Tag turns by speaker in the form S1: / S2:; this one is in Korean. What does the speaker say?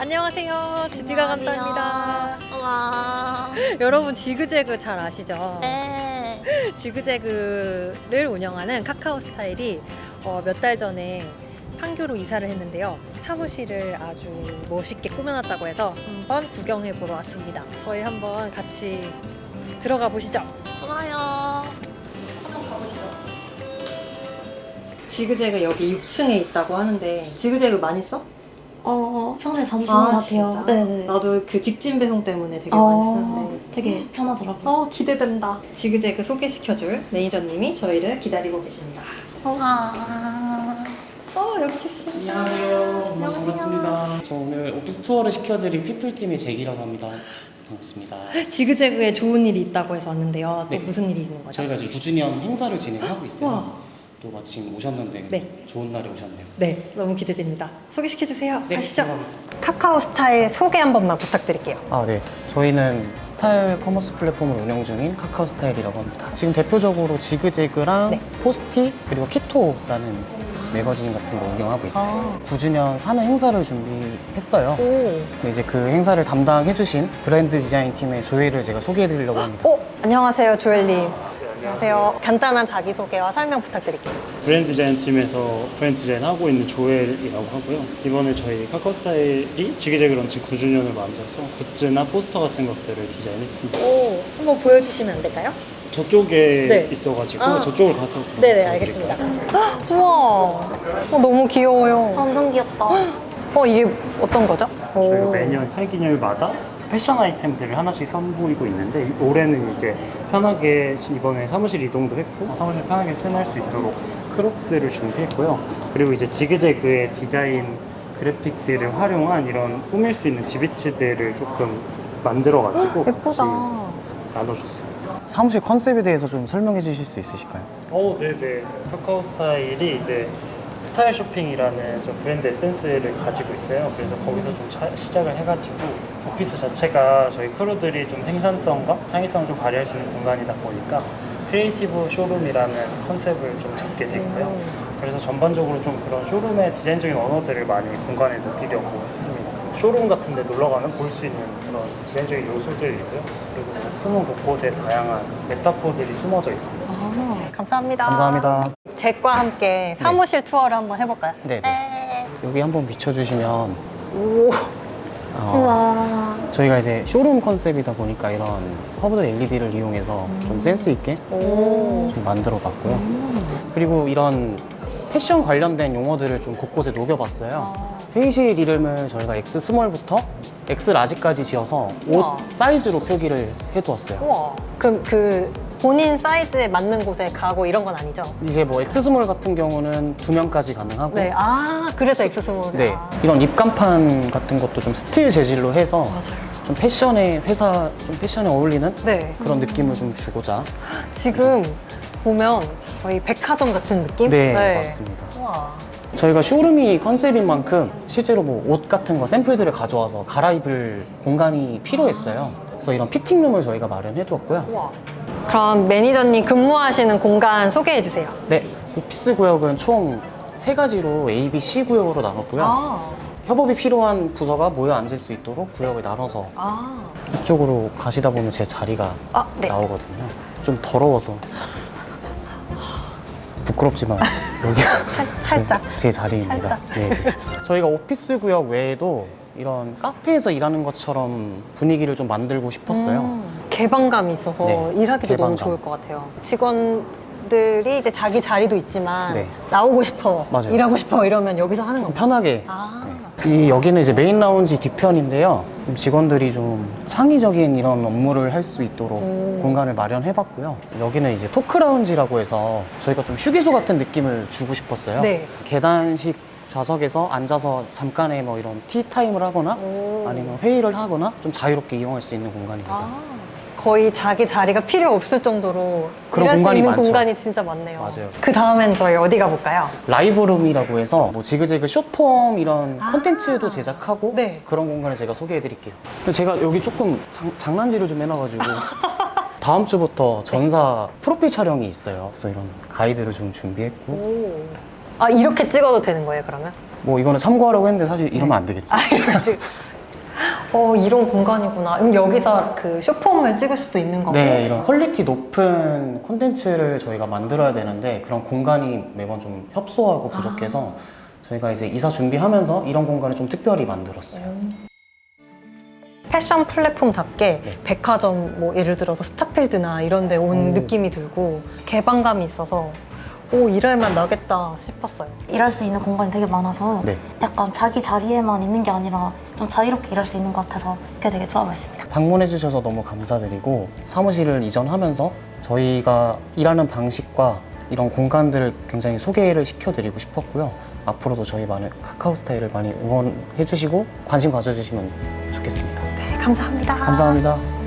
S1: 안녕하세요. 지디가 간답니다.
S2: 와.
S1: 여러분 지그재그 잘 아시죠?
S2: 네.
S1: 지그재그를 운영하는 카카오스타일이 몇 달 전에 판교로 이사를 했는데요. 사무실을 아주 멋있게 꾸며놨다고 해서 한번 구경해 보러 왔습니다. 저희 한번 같이 들어가 보시죠.
S2: 좋아요.
S1: 한번 가보시죠. 지그재그 여기 6층에 있다고 하는데 지그재그 많이 써?
S2: 평소에 자주 쓰는 것 같아요. 네네.
S1: 나도 그 직진 배송 때문에 되게 많이 쓰는데
S2: 되게 편하더라고요.
S1: 기대된다. 지그재그 소개시켜줄 매니저님이 저희를 기다리고 계십니다.
S2: 와.
S1: 여기 계십니다.
S3: 안녕하세요. 반갑습니다. 저 오늘 오피스 투어를 시켜드린 피플팀의 잭이라고 합니다. 반갑습니다.
S1: 지그재그에 좋은 일이 있다고 해서 왔는데요. 또
S3: 네.
S1: 무슨 일이 있는 거죠?
S3: 저희가 지금 9주년 행사를 진행하고 있어요.
S1: 와.
S3: 또 마침 오셨는데
S1: 네.
S3: 좋은 날에 오셨네요.
S1: 네, 너무 기대됩니다. 소개시켜주세요.
S3: 네,
S1: 가시죠.
S3: 들어가겠습니다.
S1: 카카오 스타일 소개 한 번만 부탁드릴게요.
S3: 네. 저희는 스타일 커머스 플랫폼을 운영 중인 카카오 스타일이라고 합니다. 지금 대표적으로 지그재그랑
S1: 네.
S3: 포스티 그리고 키토라는 매거진 같은 거 운영하고 있어요. 9주년 사내 행사를 준비했어요. 근데 이제 그 행사를 담당해주신 브랜드 디자인 팀의 조혜를 제가 소개해드리려고 합니다.
S1: 안녕하세요, 조엘님. 안녕하세요. 간단한 자기소개와 설명 부탁드릴게요.
S4: 브랜드 디자인 팀에서 브랜드 디자인 하고 있는 조엘이라고 하고요. 이번에 저희 카카오스타일이 지그재그 런치 9주년을 맞아서 굿즈나 포스터 같은 것들을 디자인했습니다.
S1: 한번 보여주시면 안 될까요?
S4: 저쪽에
S1: 네.
S4: 있어가지고 저쪽을 가서
S1: 네네, 알겠습니다. 우와, 너무 귀여워요.
S2: 완전 귀엽다.
S1: 이게 어떤 거죠?
S4: 저희가 매년 생기념일마다 패션 아이템들을 하나씩 선보이고 있는데 올해는 이제 편하게 이번에 사무실 이동도 했고 사무실 편하게 스할 수 있도록 크록스를 준비했고요. 그리고 이제 지그재그의 디자인 그래픽들을 활용한 이런 꾸밀 수 있는 지비치들을 조금 만들어가지고 같이 나눠줬습니다.
S3: 사무실 컨셉에 대해서 좀 설명해 주실 수 있으실까요?
S4: 네네. 카카오 스타일이 이제 스타일 쇼핑이라는 좀 브랜드 에센스를 가지고 있어요. 그래서 거기서 좀 시작을 해가지고 오피스 자체가 저희 크루들이 좀 생산성과 창의성을 좀 발휘할 수 있는 공간이다 보니까 크리에이티브 쇼룸이라는 컨셉을 좀 잡게 됐고요. 그래서 전반적으로 좀 그런 쇼룸의 디자인적인 언어들을 많이 공간에 녹이려고 했습니다. 쇼룸 같은 데 놀러가면 볼 수 있는 그런 디자인적인 요소들이고요. 그리고 숨은 곳곳에 다양한 메타포들이 숨어져 있습니다.
S1: 감사합니다.
S3: 감사합니다.
S1: 잭과 함께 사무실 투어를 한번 해볼까요?
S3: 네.
S2: 네.
S3: 여기 한번 비춰주시면
S2: 와.
S3: 저희가 이제 쇼룸 컨셉이다 보니까 이런 커브드 LED를 이용해서 좀 센스 있게 좀 만들어 봤고요. 그리고 이런 패션 관련된 용어들을 좀 곳곳에 녹여봤어요. 회의실 이름을 저희가 X 스몰부터 X 라지까지 지어서
S1: 우와.
S3: 옷 사이즈로 표기를 해두었어요.
S1: 우와. 그럼 그 본인 사이즈에 맞는 곳에 가고 이런 건 아니죠?
S3: 이제 뭐 X 스몰 같은 경우는 2명까지 가능하고
S1: 네. 그래서 엑스스몰.
S3: 네, 이런 입간판 같은 것도 좀 스틸 재질로 해서 좀 패션에 좀 패션에 어울리는
S1: 네.
S3: 그런 느낌을 좀 주고자.
S1: 지금 보면 거의 백화점 같은 느낌?
S3: 네, 맞습니다.
S1: 우와.
S3: 저희가 쇼룸이 컨셉인 만큼 실제로 뭐 옷 같은 거 샘플들을 가져와서 갈아입을 공간이 필요했어요. 그래서 이런 피팅룸을 저희가 마련해 두었고요.
S1: 우와. 그럼 매니저님 근무하시는 공간 소개해 주세요.
S3: 네, 오피스 구역은 총 3가지로 A, B, C 구역으로 나눴고요. 협업이 필요한 부서가 모여 앉을 수 있도록 구역을 나눠서 이쪽으로 가시다 보면 제 자리가
S1: 네.
S3: 나오거든요. 좀 더러워서 부끄럽지만 여기가
S1: 살짝.
S3: 제 자리입니다.
S1: 살짝.
S3: 네. 저희가 오피스 구역 외에도 이런 카페에서 일하는 것처럼 분위기를 좀 만들고 싶었어요.
S1: 개방감이 있어서
S3: 네,
S1: 일하기도 너무
S3: 개방감.
S1: 좋을 것 같아요. 직원들이 이제 자기 자리도 있지만
S3: 네.
S1: 나오고 싶어,
S3: 맞아요.
S1: 일하고 싶어 이러면 여기서 하는 건가요?
S3: 편하게. 여기는 이제 메인 라운지 뒤편인데요. 좀 직원들이 좀 창의적인 이런 업무를 할 수 있도록 공간을 마련해봤고요. 여기는 이제 토크 라운지라고 해서 저희가 좀 휴게소 같은 느낌을 주고 싶었어요.
S1: 네.
S3: 계단식 좌석에서 앉아서 잠깐의 뭐 이런 티타임을 하거나 아니면 회의를 하거나 좀 자유롭게 이용할 수 있는 공간입니다.
S1: 거의 자기 자리가 필요 없을 정도로
S3: 그런
S1: 일할 수
S3: 공간이
S1: 있는
S3: 많죠.
S1: 공간이 진짜 많네요.
S3: 맞아요.
S1: 그 다음엔 저희 어디 가볼까요?
S3: 라이브룸이라고 해서 뭐 지그재그 숏폼 이런 콘텐츠도 제작하고
S1: 네.
S3: 그런 공간을 제가 소개해드릴게요. 근데 제가 여기 조금 장난질을 좀 해놔가지고 다음 주부터 전사 프로필 촬영이 있어요. 그래서 이런 가이드를 좀 준비했고
S1: 이렇게 찍어도 되는 거예요, 그러면?
S3: 뭐 이거는 참고하라고 했는데 사실 이러면 안 되겠지.
S1: 이렇게 이런 공간이구나. 그럼 여기서 그 쇼폼을 찍을 수도 있는 거고.
S3: 네, 이런 퀄리티 높은 콘텐츠를 저희가 만들어야 되는데 그런 공간이 매번 좀 협소하고 부족해서 저희가 이제 이사 준비하면서 이런 공간을 좀 특별히 만들었어요.
S1: 패션 플랫폼답게
S3: 네.
S1: 백화점 뭐 예를 들어서 스타필드나 이런 데 온 느낌이 들고 개방감이 있어서 일할만 나겠다 싶었어요.
S2: 일할 수 있는 공간이 되게 많아서
S3: 네.
S2: 약간 자기 자리에만 있는 게 아니라 좀 자유롭게 일할 수 있는 것 같아서 그게 되게 좋아 보였습니다.
S3: 방문해 주셔서 너무 감사드리고 사무실을 이전하면서 저희가 일하는 방식과 이런 공간들을 굉장히 소개를 시켜드리고 싶었고요. 앞으로도 저희 많은 카카오 스타일을 많이 응원해 주시고 관심 가져주시면 좋겠습니다.
S1: 네, 감사합니다.
S3: 감사합니다.